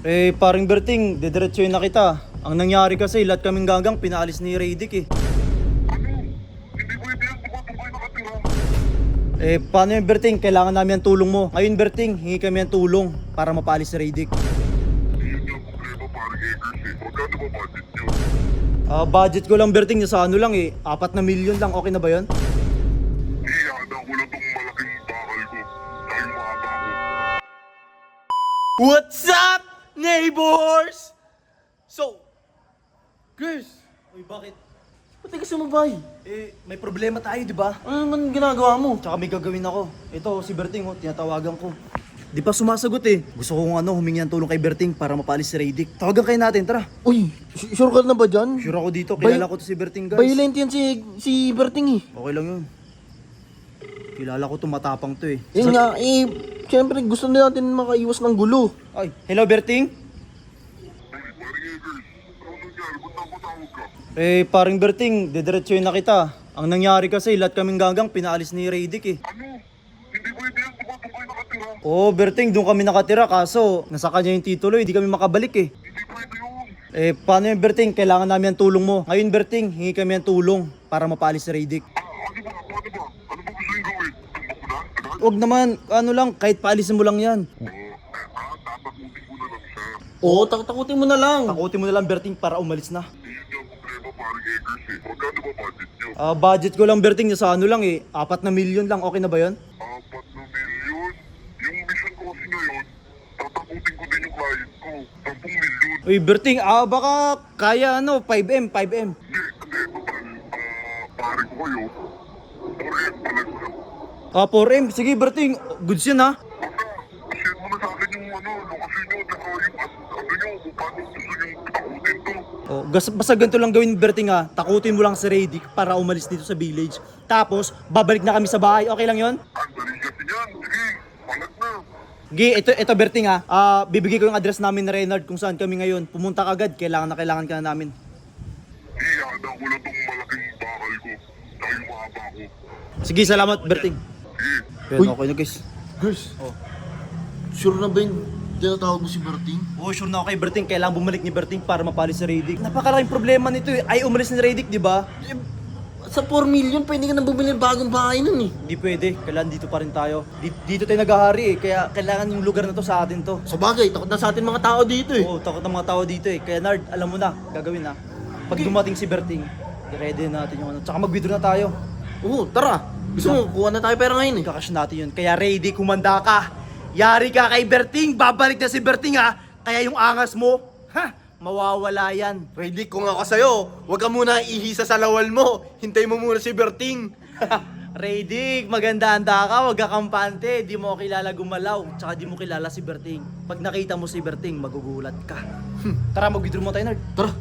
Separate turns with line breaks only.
Paring Berting, dediretsuhin na kita. Ang nangyari kasi, lahat kaming gagang pinaalis ni Radic eh.
Hindi pwede yan, diba doon kayo nakatira?
Paano yung Berting? Kailangan namin ang tulong mo. Ngayon Berting, hingi kami ang tulong para mapaalis si Radic.
Yun yung problema paring Eggers eh. Magkano ba budget nyo?
Budget ko lang Berting, sa ano lang eh, 4 na milyon lang, okay na ba yun?
Ihada ko lang tong malaking bakal ko. Tsaka yung mahaba ko.
What's up, neighbors? So, girls,
Uy, bakit?
ba't ka sumabay?
May problema tayo, di ba?
Ano naman ginagawa mo?
Tsaka may gagawin ako. Ito, si Berting, tinatawagan ko. Di pa sumasagot eh. Gusto ko humingi ng tulong kay Berting para mapaalis si Radic. Tawagan kayo natin, tara.
Uy, sure ka na ba dyan?
Sure ako dito, kilala ko to si Berting guys.
Violent yan si Berting eh.
Okay lang yun. Kilala ko to, matapang to eh.
Yun nga, siyempre gusto na natin makaiwas ng gulo.
Ay, hello Berting?
Paring Eggers, ano nangyari? Ba't napatawag ka?
Paring Berting, dediretsuhin na kita. Ang nangyari kasi, lahat kaming gagang pinaalis ni Radic eh.
Ano? Hindi pwede yan, diba doon kayo nakatira?
Oo, Berting, doon kami nakatira kaso nasa kanya yung titulo, hindi kami makabalik eh.
Hindi pwede yun.
Paano yung Berting? Kailangan namin ang tulong mo. Ngayon Berting, hingi kami ang tulong para mapaalis si Radic.
Ano ba? Paano ba? Ano ba gusto yung gawin? Tumbak ko na? Agad?
Huwag naman, ano lang, kahit paalisin mo lang yan.
Tatakutin ko na lang siya.
Oo, takutin mo na lang.
Takutin mo na lang Berting para umalis na.
Yun yung problema paring Eggers eh. Magkano ba budget nyo?
Budget ko lang Berting, sa ano lang eh, 4 na milyon lang, okay na ba yun?
4 na milyon? Yung mission ko kasi ngayon, tatakutin ko din yung client ko. 10 milyon.
Uy Berting, baka kaya 5M.
Hindi, total. Pare ko kayo. 4M talaga.
4M, sige Berting, goods yun ha.
Basta, share mo na sa akin yung lokasyon nyo, tsaka yung ano nyo, kung paano gusto nyo takutin to.
Basta ganito lang gawin Berting ha, takutin mo lang si Radic para umalis dito sa village. Tapos, babalik na kami sa bahay, okay lang yun?
Ang dali kasi yan. Sige, palag na.
Gi, ito Berting ha, bibigay ko yung address namin na Reynard kung saan kami ngayon. Pumunta ka agad, kailangan ka na namin.
Ihada ko lang tong malaking bakal ko, tsaka yung mahaba ko.
Sige, salamat Berting.
Sige.
Pero
Uy.
okay na guys.
Girls, sure na ba yung tinatawag mo si Berting?
Sure na ako kay Berting, kailangan bumalik ni Berting para mapalis si Radic. Napakalaking problema nito eh, ay umalis ni Radic, di ba?
Sa 4 million, pwede ka na bumili ng bagong bahay nun eh.
Hindi pwede, kailangan dito pa rin tayo. Dito tayo naghahari eh, kaya kailangan yung lugar na to sa atin to.
Sa bagay, takot na sa atin mga tao dito eh.
Oo, takot ng mga tao dito eh. Kaya Nard, alam mo na, gagawin na. Pag dumating si Berting, i-ready natin yung ano. Tsaka mag-withdraw na tayo.
Oo, tara. Gusto mo, kuha na tayo pera ngayon eh.
Kakash natin yun. Kaya ready, kumanda ka. Yari ka kay Berting, babalik na si Berting ha. Kaya yung angas mo, mawawala yan.
Ready kung ako sa'yo, huwag ka muna ihisa sa lawal mo. Hintay mo muna si Berting.
Radic, maganda-handa ka, wag ka kampante. Di mo kilala gumalaw, tsaka di mo kilala si Berting. Pag nakita mo si Berting, magugulat ka. Tara, mag-withdraw mo tayo, Nard.
Tara.